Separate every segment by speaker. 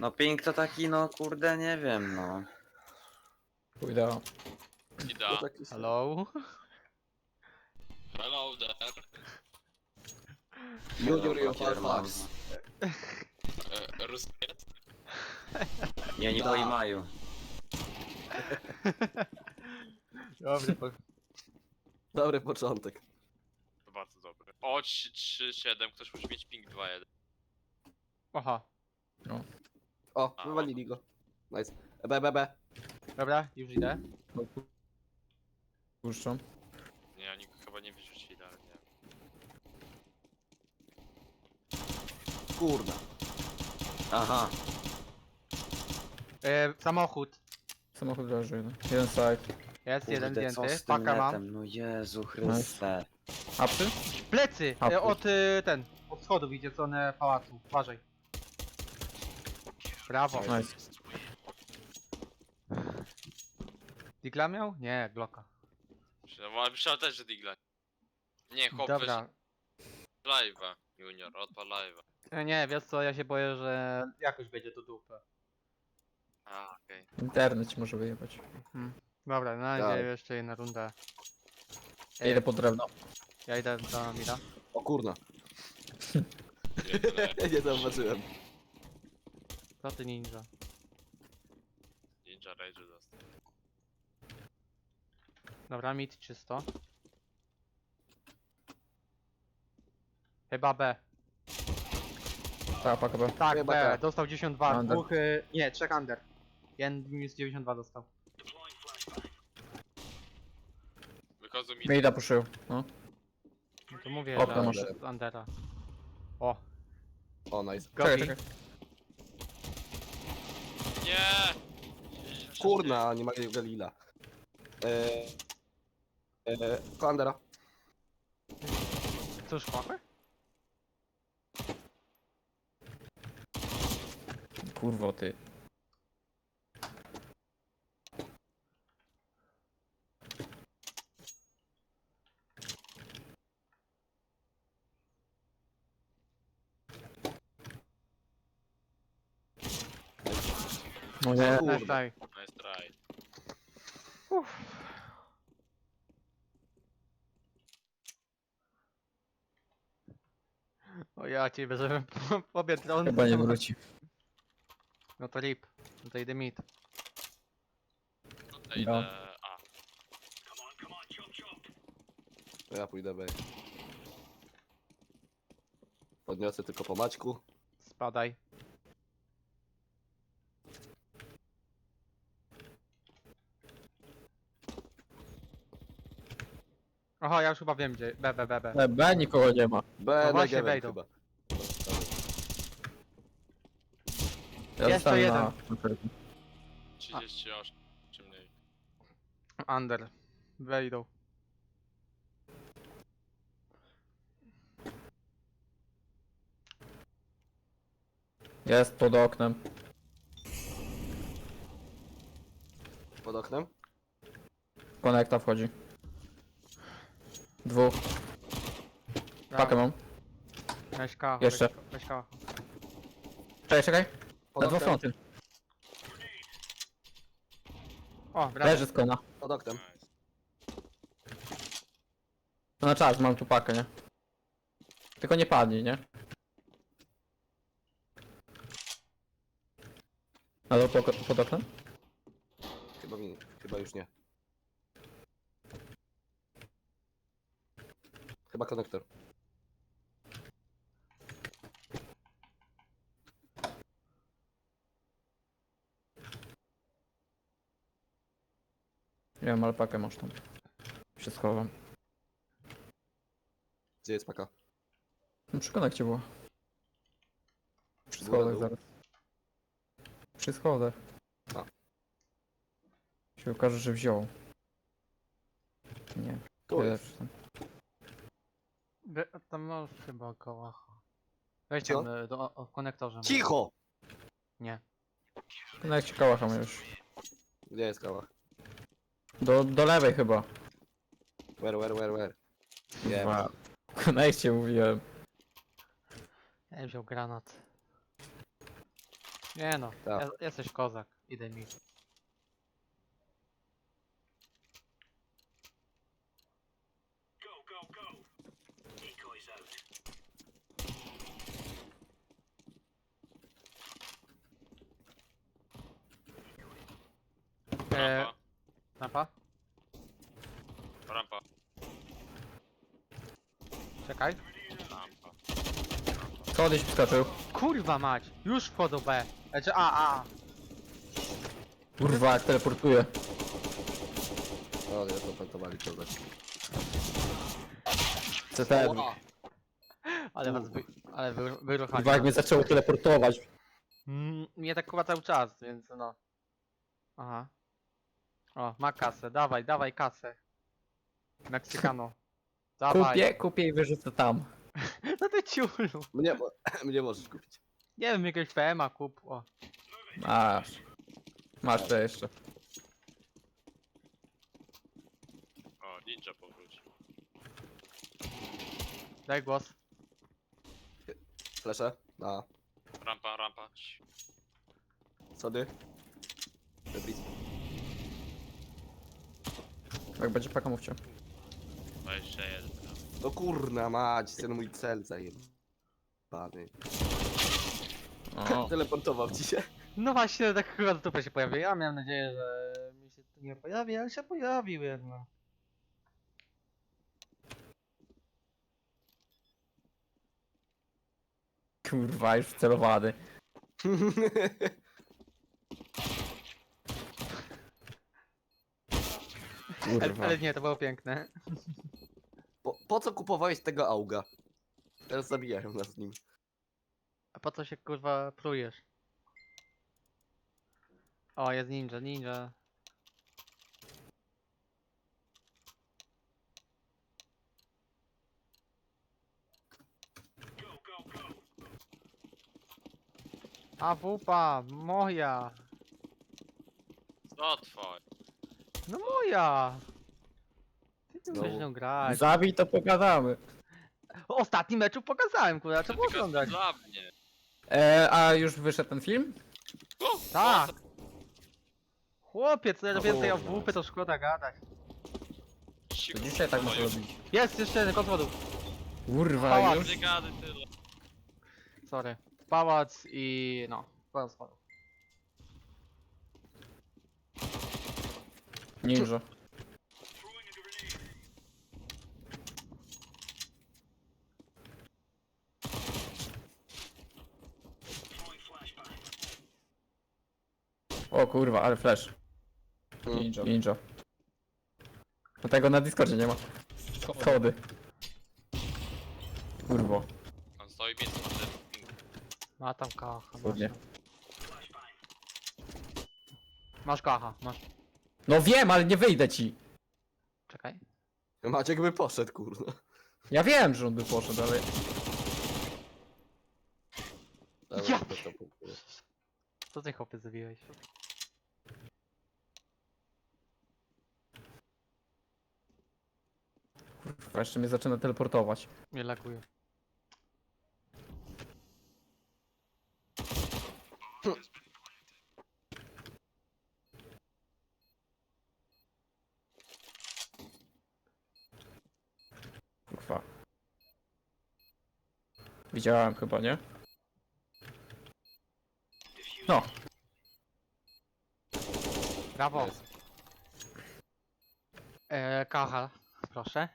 Speaker 1: No ping to taki, no kurde, nie wiem, no.
Speaker 2: Pójdę.
Speaker 3: No
Speaker 4: Ida.
Speaker 3: taki sam.
Speaker 5: Hello?
Speaker 4: Hello there.
Speaker 3: Junior i
Speaker 1: Papier mam.
Speaker 3: Fax.
Speaker 4: Ruski jest?
Speaker 1: Nie, nie
Speaker 3: Da.
Speaker 1: pojmaju.
Speaker 5: Dobry,
Speaker 3: Dobry początek.
Speaker 4: To bardzo dobry. O, 3-7, ktoś musi mieć ping 2-1.
Speaker 5: Aha.
Speaker 3: O, wywalili go. Nice. B.
Speaker 5: Dobra, już idę.
Speaker 2: Puszczam.
Speaker 4: Nie, oni go chyba nie wyrzucili, ale nie.
Speaker 3: Kurna.
Speaker 1: Aha.
Speaker 5: Samochód.
Speaker 2: Samochód leży jeden. Jeden side.
Speaker 5: Jest jeden
Speaker 1: Kurde, co
Speaker 5: zdjęty.
Speaker 1: z tym
Speaker 5: Paka mam.
Speaker 1: netem? No Jezu Chryste.
Speaker 2: Apsy?
Speaker 5: Plecy!
Speaker 2: A,
Speaker 5: Od od schodów idzie w stronę pałacu. Uważaj. Brawo.
Speaker 2: Nice.
Speaker 5: Digla miał? Nie, Glocka.
Speaker 4: Myślałem też, że Digla. Nie, chłop
Speaker 5: Dobra.
Speaker 4: live'a. Junior, odpal live'a.
Speaker 5: Nie, wiesz co, ja się boję, że jakoś będzie to dupę.
Speaker 4: A, okej.
Speaker 2: Internet ci może wyjebać.
Speaker 5: Dobra, na razie
Speaker 3: Tak.
Speaker 5: jeszcze jedna runda.
Speaker 2: Ja idę po drewno.
Speaker 5: Ja idę do Mira.
Speaker 3: O kurna.
Speaker 4: Okay.
Speaker 3: Nie zauważyłem.
Speaker 5: Co ty ninja?
Speaker 4: Ninja Rage dostał.
Speaker 5: Dobra, mid czysto. Chyba B.
Speaker 2: Tak, paka B.
Speaker 5: Tak,
Speaker 3: Chyba
Speaker 5: B.
Speaker 3: tak.
Speaker 5: Dostał 92.
Speaker 2: Under.
Speaker 5: Dwóch, nie, 3 under. Jeden minus 92 dostał.
Speaker 4: Wychodzą mi.
Speaker 2: Mida puszył. No.
Speaker 5: No to mówię,
Speaker 2: Okno
Speaker 5: że
Speaker 2: masz.
Speaker 5: z undera. O,
Speaker 3: O, nice.
Speaker 2: Czekaj,
Speaker 5: Gobi.
Speaker 2: czekaj.
Speaker 4: Nie!
Speaker 3: Kurna, nie ma Galila. Klandera.
Speaker 5: Cóż, chłopy?
Speaker 2: Kurwo ty. No nie.
Speaker 3: Kurde.
Speaker 5: Nice try.
Speaker 4: Nice try.
Speaker 5: O ja ciebie, żebym pobiegł drone.
Speaker 2: Chyba nie wróci.
Speaker 5: No to rip. No to idę mid.
Speaker 4: Tutaj
Speaker 2: No.
Speaker 4: idę A.
Speaker 3: Ja pójdę B. Podniosę tylko po Maćku.
Speaker 5: Spadaj. Aha, ja już chyba wiem gdzie. B.
Speaker 2: B nikogo nie ma.
Speaker 3: B,
Speaker 5: No właśnie
Speaker 3: Negeven
Speaker 5: wejdą.
Speaker 3: chyba.
Speaker 2: Ja
Speaker 5: Jeszcze
Speaker 2: zostałem
Speaker 5: jeden.
Speaker 2: na...
Speaker 4: 38 czy mniej.
Speaker 5: Under. Wejdą.
Speaker 2: Jest pod oknem.
Speaker 3: Pod oknem.
Speaker 2: Konekta wchodzi. Dwóch. Pakę mam.
Speaker 5: Weź kałacha.
Speaker 2: Jeszcze.
Speaker 5: Weź kałacha.
Speaker 2: Czekaj, czekaj.
Speaker 3: Pod
Speaker 2: Na dwa
Speaker 3: oknem.
Speaker 2: fronty.
Speaker 5: O, brawo.
Speaker 2: Leży z kona.
Speaker 3: Pod oknem.
Speaker 4: Nice.
Speaker 2: To na czas, mam tu pakę, nie? Tylko nie padnij, nie? Ale pod oknem?
Speaker 3: Chyba już nie. Chyba konektor.
Speaker 2: Nie wiem, ale pakę masz tam. Się schowam.
Speaker 3: Gdzie jest paka?
Speaker 2: No przy konekcie było. Przy
Speaker 3: Góra,
Speaker 2: schodach
Speaker 3: dół?
Speaker 2: zaraz. Przy schodach.
Speaker 3: A.
Speaker 2: Się okaże, że wziął. Nie.
Speaker 3: Tu
Speaker 2: Tyle
Speaker 3: jest.
Speaker 2: przy tym.
Speaker 5: Tam masz chyba kałacha. Weź
Speaker 3: Co?
Speaker 5: tam w konektorze.
Speaker 3: Cicho!
Speaker 5: Nie.
Speaker 2: W konekcie kałacha ma już.
Speaker 3: Gdzie jest kała?
Speaker 2: Do lewej chyba.
Speaker 3: Where? Nie.
Speaker 2: Dwa. W konekcie mówiłem.
Speaker 5: Ja wziął granat. Nie no,
Speaker 3: Tak.
Speaker 5: jesteś kozak. Idę mi.
Speaker 4: Rampa.
Speaker 5: Rampa?
Speaker 4: Rampa.
Speaker 5: Czekaj.
Speaker 4: Rampa.
Speaker 2: Co gdzieś wskoczył?
Speaker 5: Kurwa mać! Już wchodzą B. Znaczy A.
Speaker 2: Kurwa, jak teleportuje.
Speaker 3: O, nie, to pentowali czołgać.
Speaker 2: CT.
Speaker 5: Ale was wyruchali.
Speaker 2: Kurwa, jak mnie zaczęło teleportować.
Speaker 5: Mnie tak chyba cały czas, więc no. Aha. O, ma kasę. Dawaj kasę. Meksykano. Dawaj.
Speaker 2: Kupię i wyrzucę tam.
Speaker 5: No ty ciulu.
Speaker 3: Mnie możesz kupić.
Speaker 5: Nie wiem, jakiegoś PM-a kup. O.
Speaker 2: Masz to jeszcze.
Speaker 4: O, ninja powrócił.
Speaker 5: Daj głos.
Speaker 3: Flesze? A,
Speaker 4: Rampa.
Speaker 3: sody? Debris.
Speaker 2: Jak będzie paka, mówcie.
Speaker 4: 21.
Speaker 3: No kurna mać, ten mój cel zajebany.
Speaker 2: O.
Speaker 3: Teleportował ci się.
Speaker 5: No właśnie, tak chyba to się pojawił. Ja miałem nadzieję, że mi się tu nie pojawi, ale się pojawił jednak.
Speaker 2: Kurwa, już wcelowany. Kurwa.
Speaker 5: Ale nie, to było piękne.
Speaker 3: Po co kupowałeś tego auga? Teraz zabijają nas nim.
Speaker 5: A po co się kurwa plujesz? O, jest ninja. A wupa, moja!
Speaker 4: Co twoje?
Speaker 5: No moja! Ty tu
Speaker 3: Znowu.
Speaker 5: musisz nią grać.
Speaker 2: Zabij, to pogadamy.
Speaker 5: W ostatnim meczu pokazałem, kurwa, trzeba było
Speaker 4: Tylko
Speaker 5: oglądać.
Speaker 4: dla mnie.
Speaker 2: A już wyszedł ten film?
Speaker 5: Tak! Chłopiec, co
Speaker 3: O,
Speaker 5: więcej o
Speaker 3: kurwa.
Speaker 5: WP to szkoda gadać.
Speaker 2: To dzisiaj tak muszę robić.
Speaker 5: Jest jeszcze jeden kod wodu.
Speaker 2: Kurwa,
Speaker 5: Pałac.
Speaker 2: już?
Speaker 4: Nie gadaj tyle.
Speaker 5: Sorry. Pałac i no. Pałac spadł.
Speaker 2: Ninja. O kurwa, ale flash. Ninja. No tego na Discordzie nie ma. Schody. Kurwo.
Speaker 4: On stoi między tym ping.
Speaker 5: Ma tam kacha.
Speaker 2: Ładnie.
Speaker 5: Masz kacha, masz.
Speaker 2: No wiem, ale nie wyjdę ci.
Speaker 5: Czekaj.
Speaker 3: Maciek by poszedł, kurna.
Speaker 2: Ja wiem, że on by poszedł, ale...
Speaker 3: Dobra,
Speaker 5: Ja
Speaker 3: to punktu.
Speaker 5: Co ty chłopie zabiłeś?
Speaker 2: Kurwa, jeszcze mnie zaczyna teleportować.
Speaker 5: Nie laguje.
Speaker 2: Kurwa. Widziałem chyba, nie? No.
Speaker 5: Brawo.
Speaker 3: Jest.
Speaker 5: Kacha, proszę.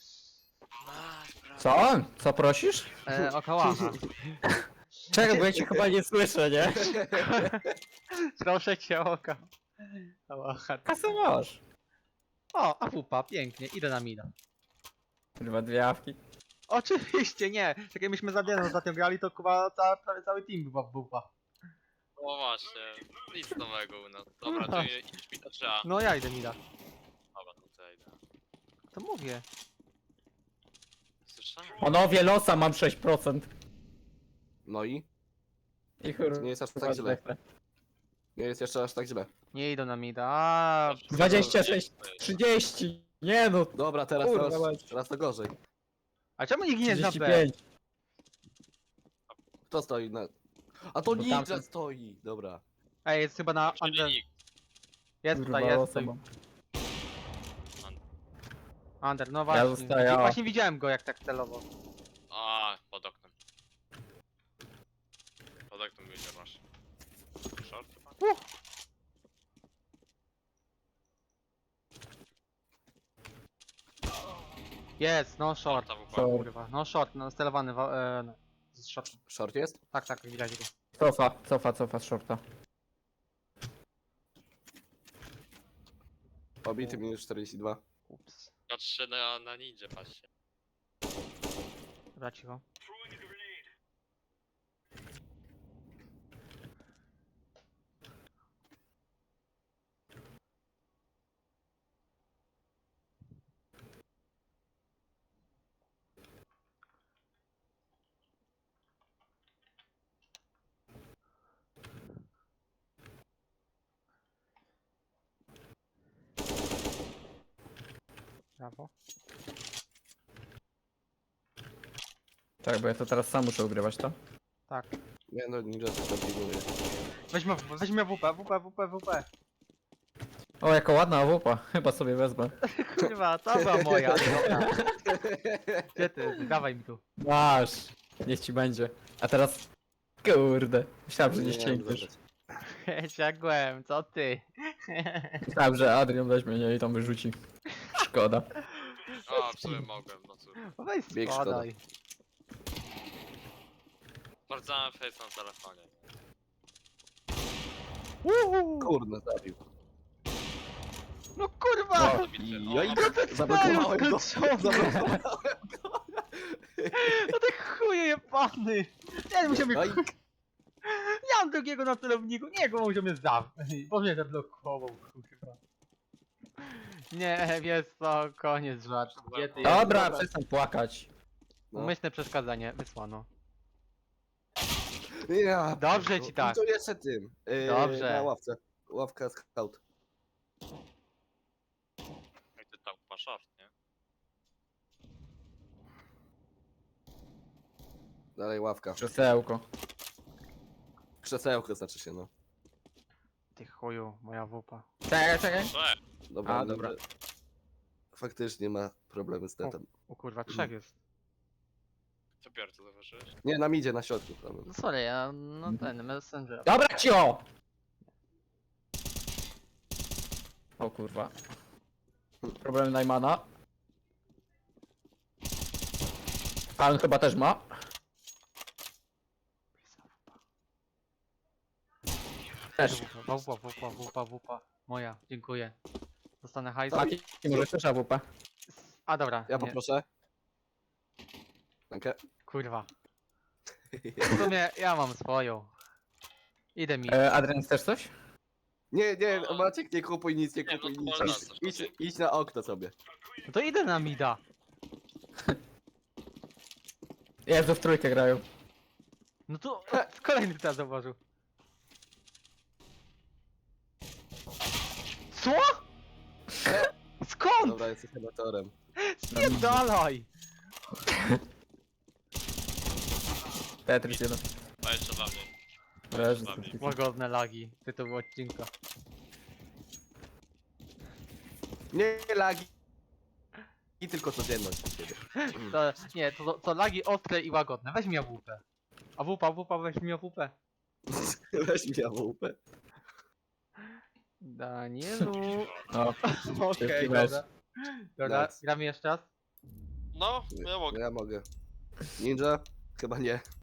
Speaker 2: Co? Co prosisz?
Speaker 5: O kałacha.
Speaker 2: Czego, bo ja cię chyba nie słyszę, nie?
Speaker 5: Proszę cię o kałacha.
Speaker 2: Kasę masz.
Speaker 5: O, a wupa, pięknie, idę na mida.
Speaker 2: Kurwa, dwie awki.
Speaker 5: Oczywiście nie. Tak jak myśmy za Dianą ostatnio grali, to chyba prawie cały team była w wupa.
Speaker 4: O właśnie. Nic nowego u nas. Dobra, to idź mi to trzeba.
Speaker 5: No ja idę mida.
Speaker 4: Dobra, no to ja idę.
Speaker 5: To mówię.
Speaker 4: Słyszałem?
Speaker 2: Panowie, losa mam 6%.
Speaker 3: No i?
Speaker 2: I kurwa.
Speaker 3: Nie jest aż tak źle. Nie jest jeszcze aż tak źle.
Speaker 5: Nie idą na mida. A,
Speaker 2: 26, 30. Nie no,
Speaker 3: Dobra, teraz,
Speaker 2: Kurwa,
Speaker 3: teraz,
Speaker 2: mać.
Speaker 3: teraz to gorzej.
Speaker 5: a czemu nikt nie jest na B?
Speaker 2: 35.
Speaker 3: Kto stoi na... A to
Speaker 2: Bo
Speaker 3: ninja
Speaker 2: tamten-
Speaker 3: stoi. Dobra.
Speaker 5: Ej, jest chyba na
Speaker 4: Czyli
Speaker 5: under.
Speaker 4: nikt.
Speaker 5: Jest
Speaker 2: Kurwa,
Speaker 5: tutaj, jest tutaj.
Speaker 2: osoba.
Speaker 5: Under, no właśnie.
Speaker 2: zostaję, o.
Speaker 5: Właśnie widziałem go jak tak celowo.
Speaker 4: A, pod oknem. Pod oknem ile masz? Short chyba?
Speaker 5: Jest, no short.
Speaker 4: Ta WP.
Speaker 2: Co?
Speaker 5: Kurwa, no short, no celowany no, z short.
Speaker 3: Short jest?
Speaker 5: Tak, tak, widać go.
Speaker 2: Cofa z shorta.
Speaker 3: Obity minus 42.
Speaker 5: Ups.
Speaker 4: Patrzę na ninja, patrzcie.
Speaker 5: Dobra, cicho. Brawo.
Speaker 2: Tak, bo ja to teraz sam muszę ugrywać, to?
Speaker 5: Tak.
Speaker 3: Nie no, ninja to kombinuje.
Speaker 5: Weźmy WP.
Speaker 2: O, jaka ładna awupa. Chyba sobie wezmę.
Speaker 5: Kurwa, to była moja. Dobra. Gdzie ty? Dawaj mi tu.
Speaker 2: Masz. Niech ci będzie. A teraz... Kurde. Myślałem, że nie ścięgniesz.
Speaker 5: Ciągłem, co ty?
Speaker 2: Myślałem, że Adrian weźmie, nie? I tam wyrzuci. Szkoda.
Speaker 4: A, w sumie mogłem, no cóż.
Speaker 5: Weź
Speaker 3: Bieg
Speaker 5: spadaj.
Speaker 4: Sprawdzałem face na telefonie.
Speaker 3: Kurde, zabił.
Speaker 5: No kurwa!
Speaker 2: No.
Speaker 3: Ja i zablokowałem go. Zablokowałem.
Speaker 5: No ty chuje jebany! Nie, musiał mnie...
Speaker 3: Oj.
Speaker 5: Ja mam drugiego na celowniku, nie, go musiał mnie zamknąć, bo mnie zablokował, kurwa. Nie, wiesz co, koniec żartu. Gdzie ty jesteś?
Speaker 2: Dobra, przestań płakać.
Speaker 3: No.
Speaker 5: Umyślne przeszkadzanie, wysłano.
Speaker 3: Ja,
Speaker 5: Dobrze ci tak.
Speaker 3: I to jeszcze tym.
Speaker 5: Dobrze.
Speaker 3: Na ławce. Ławka scout.
Speaker 4: Jak ty tam masz short, nie?
Speaker 3: Dalej ławka.
Speaker 2: Krzesełko.
Speaker 3: Krzesełko znaczy się, no.
Speaker 5: Ty chuju, moja wupa.
Speaker 2: Czekaj.
Speaker 3: Dobra,
Speaker 2: A, dobra.
Speaker 3: Faktycznie ma problemy z netem.
Speaker 5: O kurwa, trzech jest.
Speaker 4: Co Piotr, to zauważyłeś?
Speaker 3: Nie, nam idzie na środku problem.
Speaker 5: No sorry, ja, no ten, messenger.
Speaker 2: Dobra, cio! O kurwa. Problem Najmana. Pan chyba też ma. Też.
Speaker 5: Wupa. Moja, dziękuję. Dostanę hajs.
Speaker 2: Mati, może też AWP.
Speaker 5: A dobra,
Speaker 3: Ja
Speaker 5: nie,
Speaker 3: poproszę. Dankę.
Speaker 5: kurwa. W sumie ja mam swoją. Idę mi.
Speaker 2: Adrian, chcesz coś?
Speaker 3: Nie, Maciek, nie kupuj nic, nie
Speaker 4: Nie,
Speaker 3: kupuj
Speaker 4: no
Speaker 3: nic.
Speaker 4: to
Speaker 3: Idź,
Speaker 4: można,
Speaker 3: idź, idź na okno sobie.
Speaker 5: No to idę na mida.
Speaker 2: Jezu, w trójkę grają.
Speaker 5: No to kolejny teraz zauważył. Co? Skąd?
Speaker 3: Dobra, jesteś amatorem.
Speaker 5: Spierdalaj!
Speaker 2: Tetris 1.
Speaker 4: A jeszcze dla mnie.
Speaker 2: Leży.
Speaker 4: Dla mnie.
Speaker 5: Łagodne lagi tytułu odcinka.
Speaker 3: Nie lagi. I tylko codzienność.
Speaker 5: To, nie, to lagi ostre i łagodne. Weź mi AWP. AWP, weź mi AWP.
Speaker 3: Weź mi AWP.
Speaker 5: Danielu.
Speaker 2: O,
Speaker 5: Okej,
Speaker 2: weź.
Speaker 5: dobra. Dobra,
Speaker 3: Nice.
Speaker 5: gramy jeszcze raz.
Speaker 4: No, ja mogę.
Speaker 3: Ja mogę. Ninja? Chyba nie.